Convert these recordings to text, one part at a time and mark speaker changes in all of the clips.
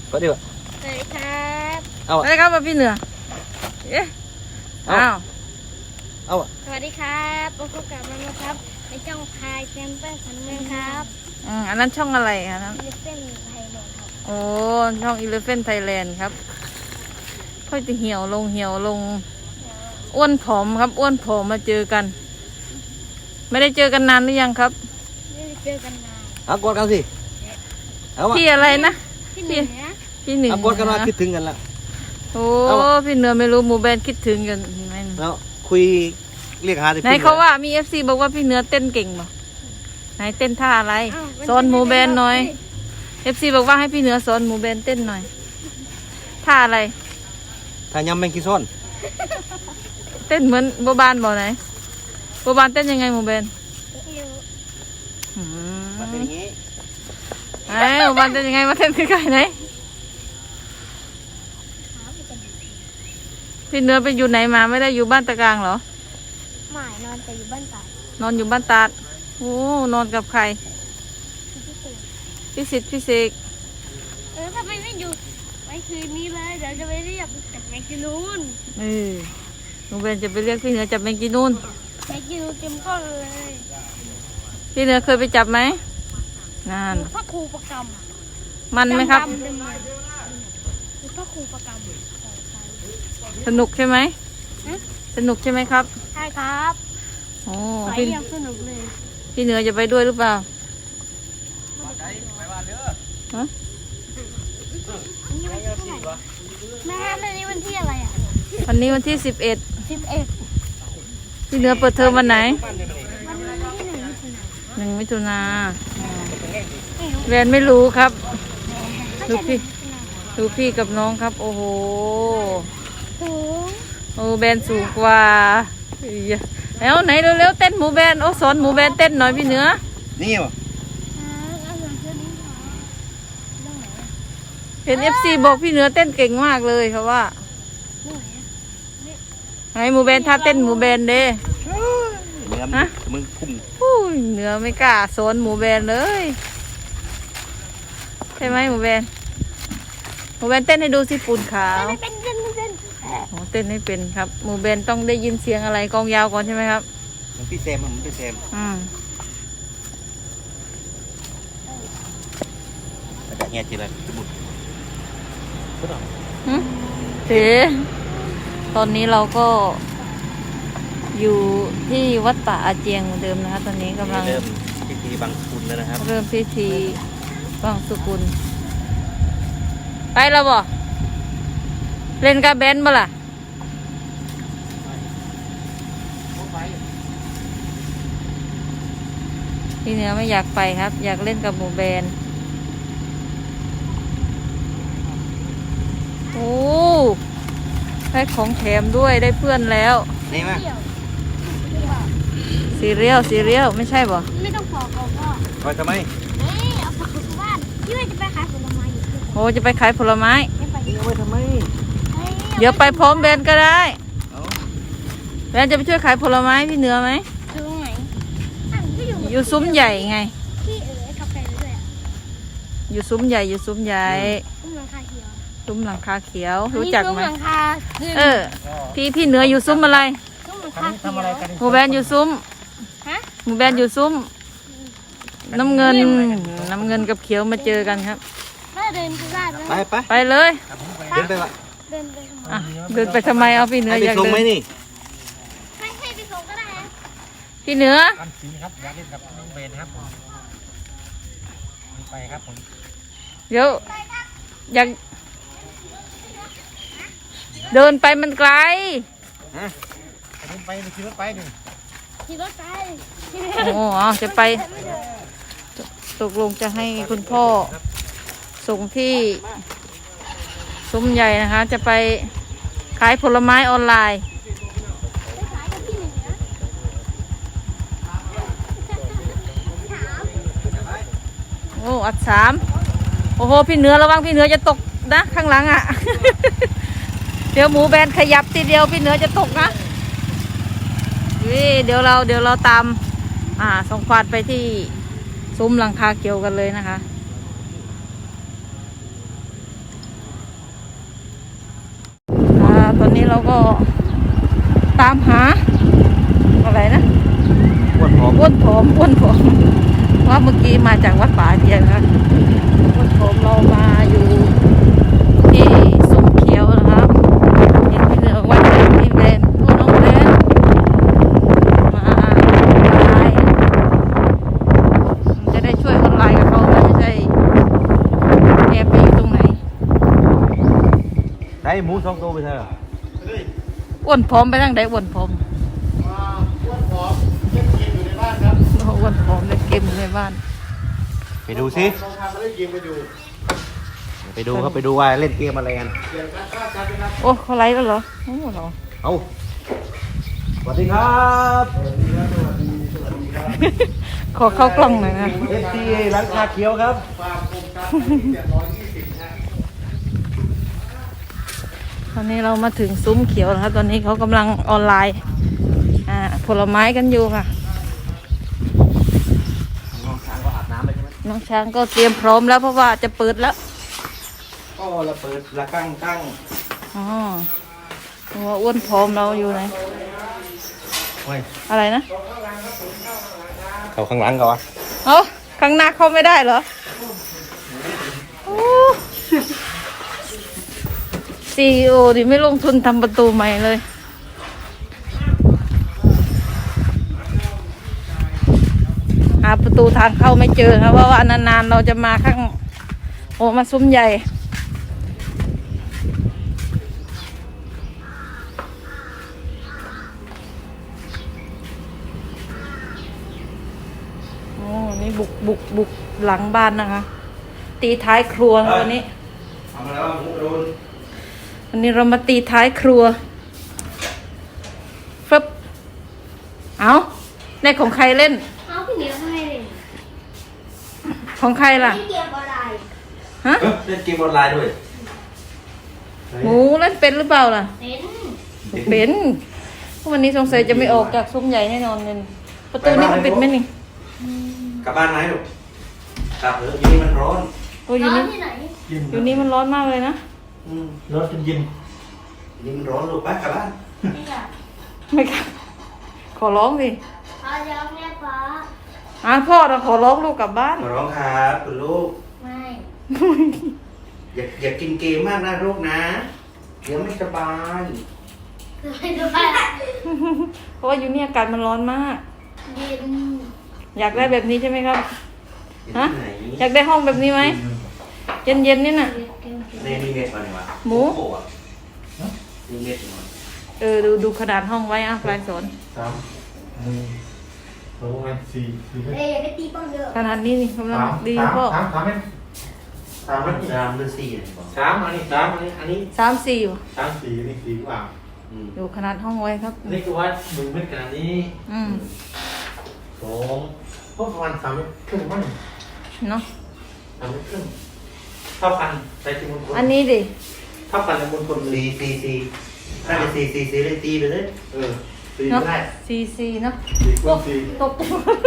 Speaker 1: ก็ดีวะ
Speaker 2: สวัสดีครับ
Speaker 1: เอา
Speaker 3: อะไรครับพี่เหนือเอ๊ะอ้าว
Speaker 1: เอา
Speaker 2: สวัสดีครับพบกับมันนะครับในช่องพายแซมเปิลสันเมืองครับ
Speaker 3: อันนั้นช่องอะไรอันนั้น
Speaker 2: เลเซนไทยแลนด์ครับ
Speaker 3: โอ้ช่อง Elephant Thailand ครับค่อยจะเหี่ยวลงอ้วนผอมครับอ้วนผอมมาเจอกัน ไม่ได้เจอกันนานหรือยังครับ
Speaker 2: ไม่ได้เจอกันนาน
Speaker 1: เอากดกันสิเอามา
Speaker 3: พี่อะไรนะ
Speaker 2: ที่หนึ่งนะ
Speaker 3: พี่หนึ่ง
Speaker 1: เอากดกันมาคิดถึงกันละ
Speaker 3: โอ้พี่เหนือไม่รู้หมูแบนคิดถึงกันไหม
Speaker 1: แล้วคุยเรียกหาที่
Speaker 3: ไหนเขาว่ามี FC บอกว่าพี่เหนือเต้นเก่งบ่ไหนเต้นท่าอะไรสอนหมูแบนหน่อย FC บอกว่าให้พี่เหนือสอนหมูแบนเต้นหน่อยท่าอะไร
Speaker 1: ถ้ายำแมงกีซ้อน
Speaker 3: เต้นเหมือนโบบานบ่ไหนโบบานเต้นยังไงหมูแบน
Speaker 1: มันเป็นอย่างนี้
Speaker 3: ไอ้โบบานเต้นยังไงมาเต้นใกล้ๆไหนพี่เหนือไปอยู่ไหนมาไม่ได้อยู่บ้านตะกลางเหรอ
Speaker 2: หมายนอนแต่อยู่บ้านตาด
Speaker 3: นอนอยู่บ้านตาดโอ้นอนกับใคร
Speaker 2: ที่สุด
Speaker 3: พี่สิทธิ์พี่เสก
Speaker 2: ทำไมไม่อยู่ไว้คืนนี้เลยเดี๋ยวจะไปเรียกจากแมกกินูน
Speaker 3: หนูเบนจะไปเรียกพี่เหนือจับแมงจีนูน
Speaker 2: แมกกินูนเต็มก้อนเลย
Speaker 3: พี่เหนือเคยไปจับไหมนั่น
Speaker 2: พระครูประกรรม
Speaker 3: มันไหมครับ
Speaker 2: ดำๆเลยพระครูประกรรม
Speaker 3: สนุกใช่ไหมสนุกใช่ไหมครับ
Speaker 2: ใช่ครับ
Speaker 3: โอ้
Speaker 2: ไป
Speaker 3: พี่
Speaker 2: ยังสนุกเลย
Speaker 3: พี่เหนือจะไปด้วยหรือเปล่าฮะ
Speaker 2: แม่วันนี้วันที่อะไรอ่ะ
Speaker 3: วันนี้วันที่11
Speaker 2: 11
Speaker 3: พี่เหนือเปิดเทอมวันไหน
Speaker 2: วันที่1 มิถุนายน
Speaker 3: 1 มิถุนาแวนไม่รู้ครับดูพี่กับน้องครับโอ้โห
Speaker 2: สูง
Speaker 3: โอ้แบนสูงกว่าแล้วไหนเร็วๆเต้นหมูแบนโอ้สอนหมูแบนเต้นหน่อยพี่เหนือ
Speaker 1: นี่วะ
Speaker 3: เห็น FC บอกพี่เหนือเต้นเก่งมากเลยครับว่าไงหมูแบนถ้าเต้นหมูแบนเด้
Speaker 1: เนื้อมึงคุ้ม
Speaker 3: อุ้ยเหนือไม่กล้าสอนหมูแบนเลยใช่ไหมหมูแบนเต้นให้ดูสิปูนขาว
Speaker 2: ไม่เป็น
Speaker 3: โอ้เต้นให้เป็นครับหมูแบนต้องได้ยินเสียงอะไรกองยาวก่อนใช่ไหมครับ
Speaker 1: มันพี่แซมมันพี่แซมอาจารย์เงี้ยจีเลยสมุดก็ต้อง
Speaker 3: เอ๋ตอนนี้เราก็อยู่ที่วัดป่าอาเจียงเหมือนเดิมนะคะตอนนี้กำลัง
Speaker 1: เริ่มพิธีบังสุกุลแล้วนะครับ
Speaker 3: เริ่มพิธีบังสุกุลไปแล้วบ่เล่นกับแบนบ่ล่ะพี่เหนือไม่อยากไปครับ อยากเล่นกับหมูแบนโอ้ได้ของแถมด้วยได้เพื่อนแล้ว
Speaker 1: นี่มั้ย
Speaker 3: ซีเรียลไม่ใช่บ่
Speaker 2: ไม่ต้องขอเขาก็
Speaker 1: ไปทำไม
Speaker 2: เอาผักกบ้านที่ว่าจะไปขายผลไม้อยู่
Speaker 3: โอ้จะไปขายผลไม้
Speaker 2: ไม่ไป
Speaker 1: เอาไปทำไม
Speaker 3: เดี๋ยวไปพร้อมแบนก็ได้
Speaker 1: เอา
Speaker 3: แบนจะไปช่วยขายผลไม้พี่เหนือไหม
Speaker 2: คือตรงไหนก็อยู่
Speaker 3: อยู่ซุ้มใหญ่ไง
Speaker 2: ที่กาแฟด้วยอ่ะ
Speaker 3: อยู่ซุ้มใหญ่
Speaker 2: ซุ้มหลังคาเขียว
Speaker 3: ซุ้มหลังคาเขียว รู้จักไหม
Speaker 2: ซุ้มหลังคา
Speaker 3: พี่เหนืออยู่ซุ้มอะไร
Speaker 2: ซุ้มหลังคาเขียว
Speaker 3: หมูแบนอยู่ซุ้ม
Speaker 2: ฮะ
Speaker 3: หมูแบนอยู่ซุ้ม น้ำเงินกับเขียวมาเจอกันครับ
Speaker 2: แม่เดินไปได้ไหม
Speaker 1: ไป
Speaker 3: ไปเลย
Speaker 1: เดินไปละ
Speaker 2: เดินไป
Speaker 3: อ่ะเดินไปทำไมเอาพี่เหนือ
Speaker 1: ให้
Speaker 3: อ
Speaker 1: ไป
Speaker 3: ยาก
Speaker 1: ส่ง
Speaker 3: เดิ
Speaker 1: ไหม
Speaker 3: น
Speaker 1: นี่
Speaker 2: ไม่ให้ไปส่งก็ได้นะ
Speaker 3: พี่เหนือ
Speaker 4: อันสีครับอยากเล่นกับน้องเบนครับผมมีไปครับผม
Speaker 3: เดี๋ยวอยากเดินไปมันไกล
Speaker 1: ฮะ
Speaker 4: เล่นไปขี่รถไปดิ
Speaker 2: ขี่รถไป
Speaker 3: โอ้จะไปตกลงจะให้คุณพ่อส่งที่ซุ้มใหญ่นะคะ จะไปขายผลไม้ออนไลน์
Speaker 2: ไปขายกับพี่หนึ่งนะ
Speaker 3: โอ้อัด3โอ้โหพี่เหนือระวังพี่เหนือจะตกนะข้างหลังอ่ะ เดี๋ยวหมูแบนขยับทีเดียวพี่เหนือจะตกนะเดี๋ยวเราตามส่งควานไปที่ซุ้มหลังคาเกี่ยวกันเลยนะคะเราก็ตามหาอะไรนะ
Speaker 1: อ้วนผอม
Speaker 3: อ้วนผอมว่าเมื่อกี้มาจากวัดป่าเดียนครับอ้วนผอมเรามาอยู่ที่ซุ้มเขียวนะครับเห็นพี่เหนือวัดพี่แบนผู้น้องแบนมาไลน์จะได้ช่วยออนไลน์กับเขาไม่ใช่แอบไปอยู่ตรงไหน
Speaker 1: ได้หมู2 ตัวไปเถอะ
Speaker 3: อ้วนผอมไปทางไหนอ้วนผอม
Speaker 4: อ้วนผอมเล่นเกมอยู่ในบ้านครับ
Speaker 3: อ้วนผอมเล่นเกมอยู่ในบ้าน
Speaker 1: ไปดูสิ
Speaker 4: ลองทำมาเล่นเกมไปดู
Speaker 1: ไปดูครับไปดูว่าเล่นเกมอะไรกัน
Speaker 4: เปลี่ยนการฆ่ากันนะครับ
Speaker 3: โอ้เขาไลฟ์แล้วเหรอโอ้เหรอ
Speaker 1: เอาสวัสดีครับ
Speaker 3: ขอเข้ากล้องหน่อยนะ
Speaker 1: เอฟซีร้านชาเขียวครับ
Speaker 4: ฟาร์มโครงการ720นะ
Speaker 3: ตอนนี้เรามาถึงซุ้มเขียวนะครับตอนนี้เขากำลังออนไลน์ผลไม้กันอยู่ค่ะ
Speaker 1: น้องช้างก็อาบน้ำไปใช่ไหม
Speaker 3: น้องช้างก็เตรียมพร้อมแล้วเพราะว่าจะเปิดแล้ว
Speaker 1: ก็ระเบิดระตั้ง
Speaker 3: อ๋อตัวอ้วนผอมเราอยู่ไหน
Speaker 1: โอ้ย
Speaker 3: อะไรนะ
Speaker 1: เขาข้างหลังก่อน
Speaker 3: เอาข้างหน้าเข้าไม่ได้เหรอโอ้CEO ดิไม่ลงทุนทำประตูใหม่เลยหาประตูทางเข้าไม่เจอครับเพราะว่านานๆเราจะมาข้างมาซุ้มใหญ่โอ้นี่บุกหลังบ้านนะคะ ตีท้ายครัวนะวันนี้
Speaker 1: ทำมาแล้วหมูโดน
Speaker 3: วันนี้เรามาตีท้ายครัวฟึบเอาในของใครเล่น
Speaker 2: เอาพี่เหนียวให้เลย
Speaker 3: ของใครล่ะ
Speaker 2: เล่นเกมออนไลน์
Speaker 3: ฮะ
Speaker 1: เล่นเกมออนไลน์ด้วย
Speaker 3: หมูเล่นเป็นหรือเปล่าล่ะ
Speaker 2: เป็น
Speaker 3: เป็นวันนี้สงสัยจะไม่ออกจากซุ้มใหญ่แน่นอนเลยประตูนี้มันปิดไหมนี่
Speaker 1: กลับบ้านไหมลูกกลับเถอะอยู่นี่มันร้อน
Speaker 3: โอ้ยอยู่
Speaker 2: ร้า
Speaker 3: นี่
Speaker 2: นที่ไหน
Speaker 3: อยู่นี่มันร้อนมากเลยนะ
Speaker 1: ร้อนจนเย็นนี่มันร้อนลูกไปกลับบ้าน
Speaker 2: ไม่อยาก
Speaker 3: ไม่กล้าขอร้องสิ
Speaker 2: เอาเดี๋ยวแม่ฟ้า
Speaker 3: พ่อเราขอร้องลูกกลับบ้าน
Speaker 1: มาร้องครับคุณลูก
Speaker 2: ไม่
Speaker 1: อย่ากินเกมมากนะลูกนะเดี๋ยวไม่สบาย
Speaker 2: ไม่ดูไป
Speaker 3: เพราะว่าอยู่นี่อากาศมันร้อนมาก
Speaker 2: เย็น
Speaker 3: อยากได้แบบนี้ใช่ไหมครับ ฮะ
Speaker 1: ไหน
Speaker 3: อยากได้ห้องแบบนี้ไหมเย็นๆนี่น่ะ
Speaker 1: ในนี่เน็ตมาเนี่ยวะ
Speaker 3: หมู
Speaker 1: โอ้โอะนี่เน็ตมา
Speaker 3: ดูขนาดห้องไว้ปลายสน
Speaker 4: ลงมา4
Speaker 2: เอ้ยอย่าไปตีป้องเด้อ
Speaker 3: ขนาดนี้นี่กำลังดีพ่อ
Speaker 4: 3ไหม3มัน
Speaker 1: สามหรือสี่เนี่ยบอก
Speaker 4: 3อันนี้3อันนี้
Speaker 3: 3-4อยู่
Speaker 4: 3 4นี่4กว่า
Speaker 1: อืม
Speaker 3: อยู่ขนาดห้องไว้ครับ
Speaker 4: อันนี้คือว่ามึงเป็นขนาดนี้
Speaker 3: อืม
Speaker 4: 2พวกประมาณ3 เมตรครึ่งมั้ง
Speaker 3: เนาะ
Speaker 4: 3 เมตรครึ่งเท่ากันใส่ที่มณฑล
Speaker 3: อันนี้ดิ
Speaker 4: เท่ากันในมณฑลเลย
Speaker 1: สี่ถ้าเป็นสี่เล่นตีไปเลย
Speaker 4: 4
Speaker 3: เนาะ
Speaker 4: ก็ได้
Speaker 3: 4-4เนาะ
Speaker 4: 4คูณ4
Speaker 3: ตก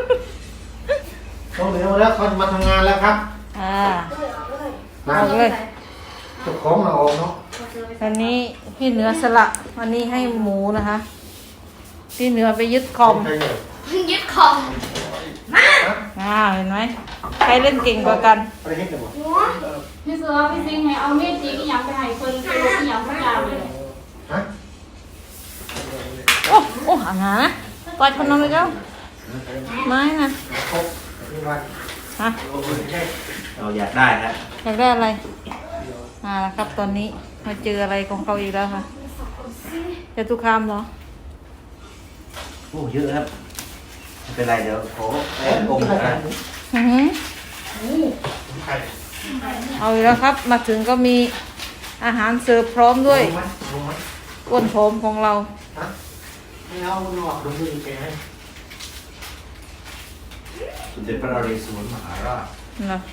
Speaker 4: ต้องเดี๋ยวแล้วเขาจะมาทำงานแล้วครับ
Speaker 3: ออกเลย
Speaker 4: เจ้าของเราออกเนาะ
Speaker 3: วันนี้พี่เหนือสละวันนี้ให้หมูนะคะ พี่เหนือไปยึดคอม
Speaker 4: ใครเนี่ย
Speaker 2: ยึดคอม
Speaker 3: เห็นไหมใครเล่นเก่งกว่ากัน
Speaker 4: อะไรเฮ็ดกันบ่
Speaker 2: หัว
Speaker 5: พี่เสือพี่ซิงให้เอาเม็ดจีกอย่างไปให้คนไปลงอย่างทุกอย่างเลย
Speaker 4: ฮะ
Speaker 3: โอ้ห่างนะปล่อยคนนอนเลยเจ้าไม้นะ
Speaker 4: ครบนี่วัน
Speaker 3: ฮะ
Speaker 1: เราอยากได้ฮะ
Speaker 3: อยากได้อะไรแล้วครับตอนนี้มาเจออะไรของเขาอีกแล้วค่ะจะตุคามเหรอ
Speaker 1: โอ้เยอะครับไม่เป็นไรเดี๋ยวขอแอบอมนะ
Speaker 3: อื้อหือ
Speaker 4: ใคร
Speaker 3: เอาอีกแล้วครับ มาถึงก็มีอาหารเสิร์ฟพร้อมด้วย
Speaker 4: ลงไหม
Speaker 3: อ้วนผอมของเรา
Speaker 4: ฮะไม่เอาหนวกดูมือแกให้
Speaker 1: สมเด็จพระนเรศวรมหาราช
Speaker 3: เนาะ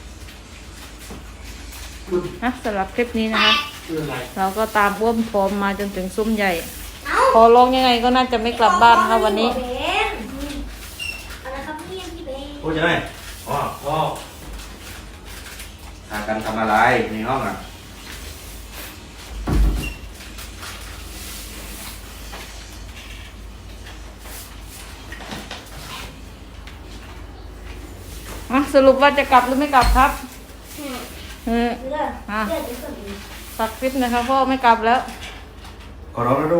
Speaker 4: คุณ
Speaker 3: สำหรับคลิปนี้นะคะ
Speaker 4: คืออะไร
Speaker 3: เราก็ตามอ้วนผอมมาจนถึงซุ้มใหญ่ ขอร้องยังไงก็น่าจะไม่กลับบ้านครับวันนี้
Speaker 2: เบนอะไรครับพี่เบน
Speaker 1: พูดใช่ไหมอ๋อ
Speaker 4: ก็
Speaker 1: หากันทำอะไรในห้องอ่ะ
Speaker 3: สรุปว่าจะกลับหรือไม่กลับครับอ่ะปักคลิปนะคะพ่อไม่กลับแล้ว
Speaker 1: ขอร้องนะลูก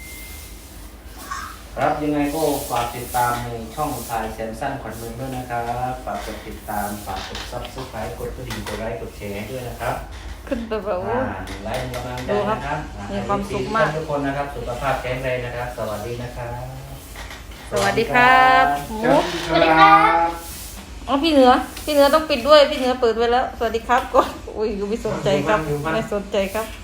Speaker 1: นะครับยังไงก็ฝากติดตามในช่องทายแซมสั้นขวัญเมืองด้วยนะครับฝากกดติดตามฝากกดซับสไครต์กดกระดิ่งกดไลค์กดแชร์ให้ด้วยนะครับ
Speaker 3: ขึ้นไปแบบว่า
Speaker 1: ไลค์กำลังใจ
Speaker 3: ดูครับ
Speaker 1: นะครับ
Speaker 3: มีความสุขมาก
Speaker 1: ทุกคนนะครับสุขภาพแข็งแรงนะครับ สวัสดีนะครับ
Speaker 3: สวัสดีครับหมู
Speaker 1: สวัสดีครับ
Speaker 3: อ๋อพี่เหนือต้องปิดด้วยพี่เหนือเปิดไว้แล้ว สวัสดีครับก่อนอุ้ยไม่สนใจครับไม่สนใจครับ